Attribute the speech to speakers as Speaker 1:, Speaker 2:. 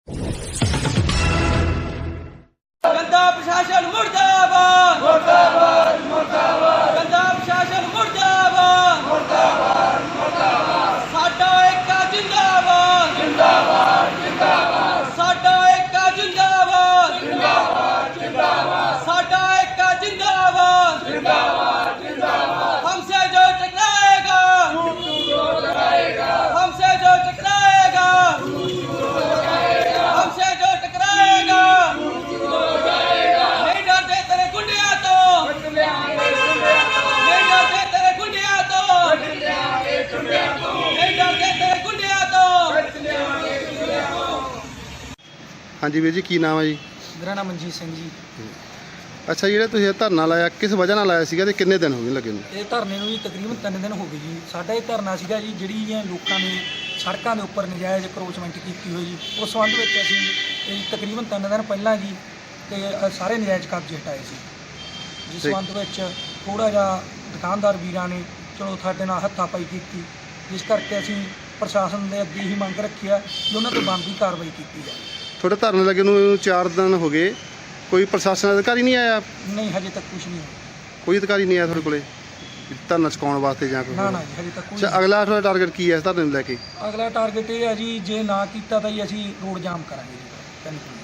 Speaker 1: गंदा प्रशासन मुर्दाबाद मुर्दाबाद मुर्दाबाद गंदा प्रशासन मुर्दाबाद मुर्दाबाद मुर्दाबाद साडा एकता जिंदाबाद जिंदाबाद जिंदाबाद साडा एकता जिंदाबाद जिंदाबाद जिंदाबाद साडा एकता जिंदाबाद जिंदाबाद जिंदाबाद हमसे जो टकराएगा हमसे जो टकराएगा हमसे जो टकराएगा नहीं डरते तेरे गुंडिया तो नहीं डरते तेरे गुंडिया तो नहीं डरते तेरे गुंडिया तो।
Speaker 2: हाँ जी वीर जी की नाम है जी?
Speaker 3: मेरा नाम मनजीत सिंह जी।
Speaker 2: अच्छा ਜਿਹੜਾ ਤੁਸੀਂ ਇਹ ਧਰਨਾ ਲਾਇਆ ਕਿਸ ਵਜ੍ਹਾ ਨਾਲ ਲਾਇਆ ਸੀਗਾ ਤੇ ਕਿੰਨੇ ਦਿਨ ਹੋ ਗਏ ਲੱਗੇ ਨੂੰ?
Speaker 3: ਇਹ ਧਰਨੇ ਨੂੰ ਜੀ ਤਕਰੀਬਨ 3 ਦਿਨ ਹੋ ਗਏ ਜੀ। ਸਾਡਾ ਇਹ ਧਰਨਾ ਸੀਗਾ ਜੀ ਜਿਹੜੀਆਂ ਲੋਕਾਂ ਨੇ ਸੜਕਾਂ ਦੇ ਉੱਪਰ ਨਜਾਇਜ਼ ਕਰੋਚਮੈਂਟ ਕੀਤੀ ਹੋਈ ਜੀ, ਉਸ ਸੰਬੰਧ ਵਿੱਚ ਅਸੀਂ ਇਹ ਤਕਰੀਬਨ 3 ਦਿਨ ਪਹਿਲਾਂ ਜੀ ਤੇ ਸਾਰੇ ਨਜਾਇਜ਼ ਕਬਜ਼ੇ ਹਟਾਏ ਸੀ। ਜਿਸ ਸੰਬੰਧ ਵਿੱਚ ਥੋੜ੍ਹਾ ਜਿਹਾ ਦੁਕਾਨਦਾਰ ਵੀਰਾਂ ਨੇ ਚਲੋ ਸਾਡੇ ਨਾਲ ਹੱਥਾਪਾਈ ਕੀਤੀ, ਜਿਸ ਕਰਕੇ ਅਸੀਂ ਪ੍ਰਸ਼ਾਸਨ ਦੇ ਅੱਗੇ ਹੀ ਮੰਗ ਰੱਖੀ ਆ ਕਿ ਉਹਨਾਂ 'ਤੇ ਬਣਦੀ ਕਾਰਵਾਈ ਕੀਤੀ ਜਾਵੇ।
Speaker 2: ਤੁਹਾਡੇ ਧਰਨੇ ਲੱਗੇ ਨੂੰ 4 ਦਿਨ ਹੋ ਗਏ, ਕੋਈ ਪ੍ਰਸ਼ਾਸਨ ਅਧਿਕਾਰੀ ਨਹੀਂ ਆਇਆ?
Speaker 3: ਨਹੀਂ, ਹਜੇ ਤੱਕ ਕੁਝ ਨਹੀਂ ਹੋਇਆ।
Speaker 2: ਕੋਈ ਅਧਿਕਾਰੀ ਨਹੀਂ ਆਇਆ ਤੁਹਾਡੇ ਕੋਲੇ ਧਰਨਾ ਚੁਕਾਉਣ ਵਾਸਤੇ ਜਾਂ ਕੋਈ?
Speaker 3: ਨਾ ਨਾ ਜੀ, ਹਜੇ ਤੱਕ ਕੋਈ
Speaker 2: ਅੱਛਾ, ਅਗਲਾ ਤੁਹਾਡਾ ਟਾਰਗੇਟ ਕੀ ਹੈ ਇਸ ਧਰਨੇ ਨੂੰ ਲੈ ਕੇ?
Speaker 3: ਅਗਲਾ ਟਾਰਗੇਟ ਇਹ ਹੈ ਜੀ, ਜੇ ਨਾ ਕੀਤਾ ਤਾਂ ਜੀ ਅਸੀਂ ਰੋਡ ਜਾਮ ਕਰਾਂਗੇ ਜੀ 3 ਕਿਲੋਮੀਟਰ।